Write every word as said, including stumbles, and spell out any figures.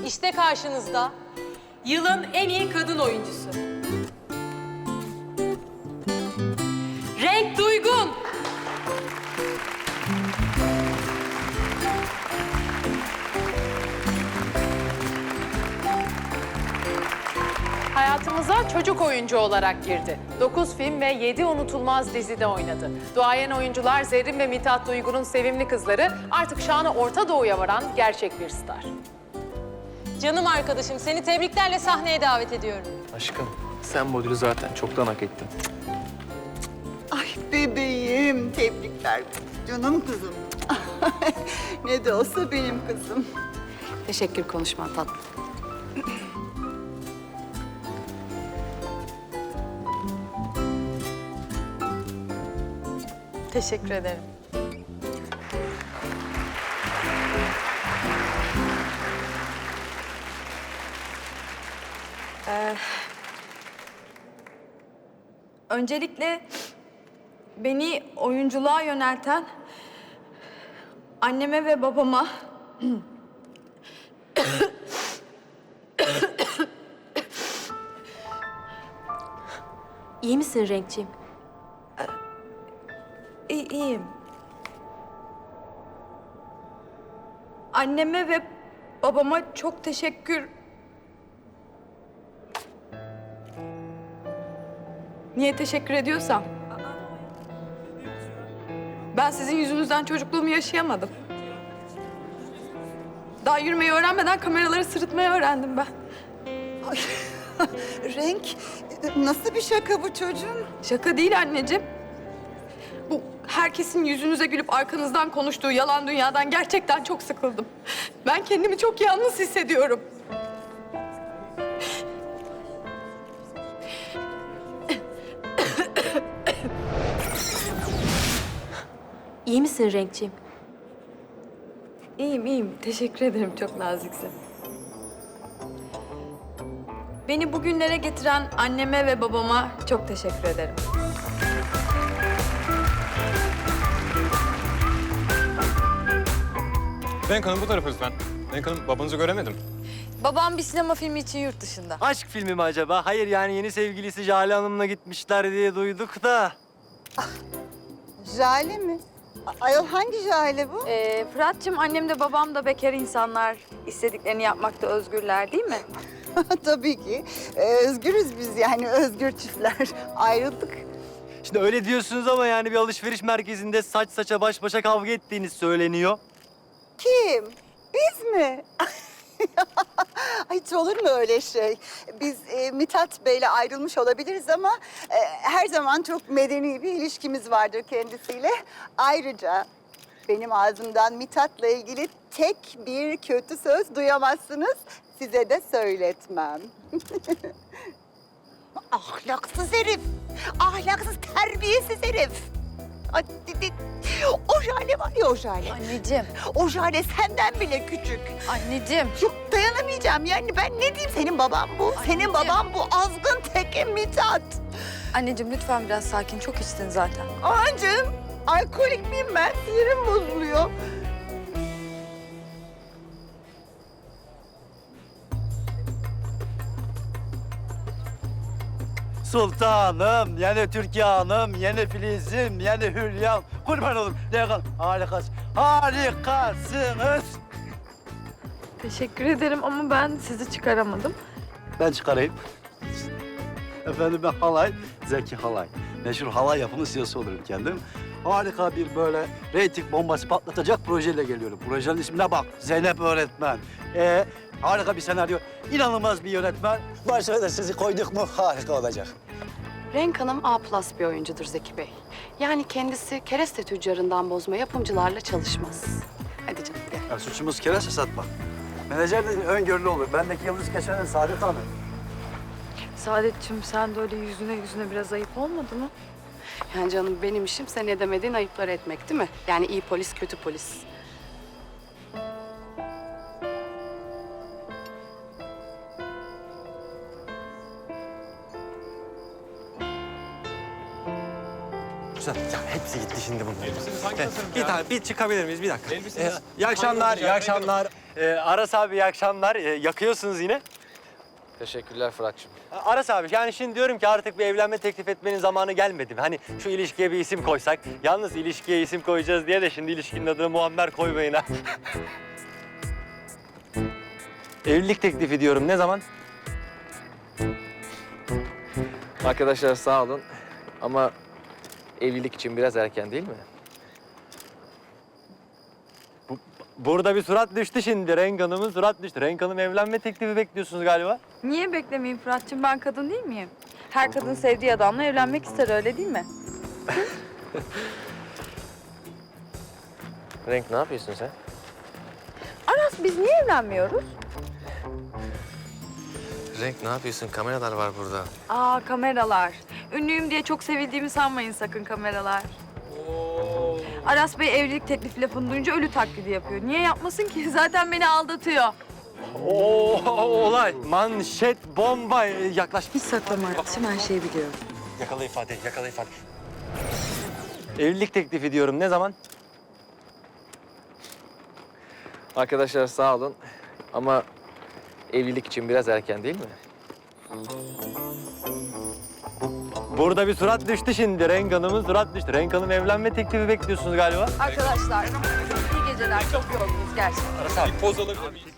İşte karşınızda yılın en iyi kadın oyuncusu. Renk Duygun. Hayatımıza çocuk oyuncu olarak girdi. Dokuz film ve yedi unutulmaz dizide oynadı. Duayen oyuncular Zerrin ve Mithat Duygu'nun sevimli kızları artık şanı Orta Doğu'ya varan gerçek bir star. Canım arkadaşım, seni tebriklerle sahneye davet ediyorum. Aşkım, sen bu ödülü zaten çoktan hak ettin. Ay bebeğim, tebrikler. Canım kızım. Ne de olsa benim kızım. Teşekkür konuşman tatlım. Teşekkür ederim. Ee, öncelikle beni oyunculuğa yönelten anneme ve babama İyi misin Renkciğim? İyi, iyiyim. Anneme ve babama çok teşekkür... Niye teşekkür ediyorsam? Ben sizin yüzünüzden çocukluğumu yaşayamadım. Daha yürümeyi öğrenmeden kameraları sırıtmayı öğrendim ben. Ay, Renk, nasıl bir şaka bu çocuğum? Şaka değil anneciğim. Bu herkesin yüzünüze gülüp arkanızdan konuştuğu yalan dünyadan gerçekten çok sıkıldım. Ben kendimi çok yalnız hissediyorum. İyi misin Renkciğim? İyiyim, iyiyim. Teşekkür ederim. Çok naziksin. Beni bugünlere getiren anneme ve babama çok teşekkür ederim. Renk Hanım bu tarafa lütfen. Renk Hanım babanızı göremedim. Babam bir sinema filmi için yurt dışında. Aşk filmi mi acaba? Hayır yani yeni sevgilisi Jale Hanım'la gitmişler diye duyduk da. Jale mi? A- Ayol hangi Jale bu? Ee, Fırat'cığım annem de babam da bekar insanlar. İstediklerini yapmakta özgürler değil mi? Tabii ki. Ee, özgürüz biz yani, özgür çiftler. Ayrıldık. Şimdi öyle diyorsunuz ama yani bir alışveriş merkezinde saç saça baş başa kavga ettiğiniz söyleniyor. Kim? Biz mi? Ay, hiç olur mu öyle şey? Biz e, Mithat Bey'le ayrılmış olabiliriz ama e, her zaman çok medeni bir ilişkimiz vardır kendisiyle. Ayrıca benim ağzımdan Mithat'la ilgili tek bir kötü söz duyamazsınız. Size de söyletmem. Ahlaksız herif. Ahlaksız, terbiyesiz herif. Ay, di- di- O Jale var ya, o Jale. Anneciğim, O Jale senden bile küçük. anneciğim. Yok, dayanamayacağım yani, ben ne diyeyim, senin baban bu. Senin baban bu, azgın teke Mithat. Anneciğim lütfen biraz sakin. Çok içtin zaten. Aman canım, alkolik miyim ben? Sinirim bozuluyor. Sultanım, yani Türkiye Hanım, yani Filiz'im, yani Hülya'm. Kurban olurum. Lekan, harikasın. Harikasınız. Teşekkür ederim ama ben sizi çıkaramadım. Ben çıkarayım. Efendim ben Halay, Zeki Halay. Meşhur halay yapımı C E O'su olurum kendim. Harika bir böyle reyting bombası patlatacak projeyle geliyorum. Projenin ismine bak, Zeynep Öğretmen. Ee, harika bir senaryo, inanılmaz bir yönetmen. Başına da sizi koyduk mu harika olacak. Renk Hanım A plus bir oyuncudur Zeki Bey. Yani kendisi kereste tüccarından bozma yapımcılarla çalışmaz. Hadi canım gel. Ya suçumuz kereste satmak. Menajer de öngörülü olur. Bendeki yıldız geçenen Saadet Hanım. Saadetciğim sen de öyle yüzüne yüzüne biraz ayıp olmadı mı? Yani canım benim işim sen edemediğin ayıpları etmek değil mi? Yani iyi polis kötü polis. Güzel. Ya hepsi gitti şimdi bunların. Elbiseniz hangi tasarım Bir ya? tane, bir çıkabilir miyiz? Bir dakika. Elbiseniz Ee, iyi akşamlar, hangi iyi olacak? akşamlar. Ee, Aras abi iyi akşamlar. Ee, yakıyorsunuz yine. Teşekkürler Fırat'cığım. Aras abi yani şimdi diyorum ki artık bir evlenme teklif etmenin zamanı gelmedi mi? Hani şu ilişkiye bir isim koysak. Yalnız ilişkiye isim koyacağız diye de şimdi ilişkinin adını Muammer koymayın ha. Evlilik teklifi diyorum. Ne zaman? Arkadaşlar sağ olun ama evlilik için biraz erken değil mi? Burada bir surat düştü şimdi. Renk Hanım'ın surat düştü. Renk Hanım evlenme teklifi bekliyorsunuz galiba. Niye beklemeyeyim Fırat'cığım? Ben kadın değil miyim? Her kadın sevdiği adamla evlenmek ister, öyle değil mi? Renk ne yapıyorsun sen? Aras, biz niye evlenmiyoruz? Renk ne yapıyorsun? Kameralar var burada. Aa, kameralar. Ünlüyüm diye çok sevildiğimi sanmayın sakın kameralar. Aras Bey evlilik teklifi lafını duyunca ölü taklidi yapıyor. Niye yapmasın ki? Zaten beni aldatıyor. Oo, olay. Manşet, bomba. Ee, Yaklaş. Hiç saklama Aras'cığım, her şeyi biliyorum. Yakala ifade, yakala ifade. Evlilik teklifi diyorum. Ne zaman? Arkadaşlar sağ olun ama evlilik için biraz erken değil mi? Burada bir surat düştü şimdi. Renk Hanım'ın surat düştü. Renk Hanım evlenme teklifi bekliyorsunuz galiba. Arkadaşlar, iyi geceler. Çok yorgunuz gerçekten. Aras abi. Poz alabilir miyim?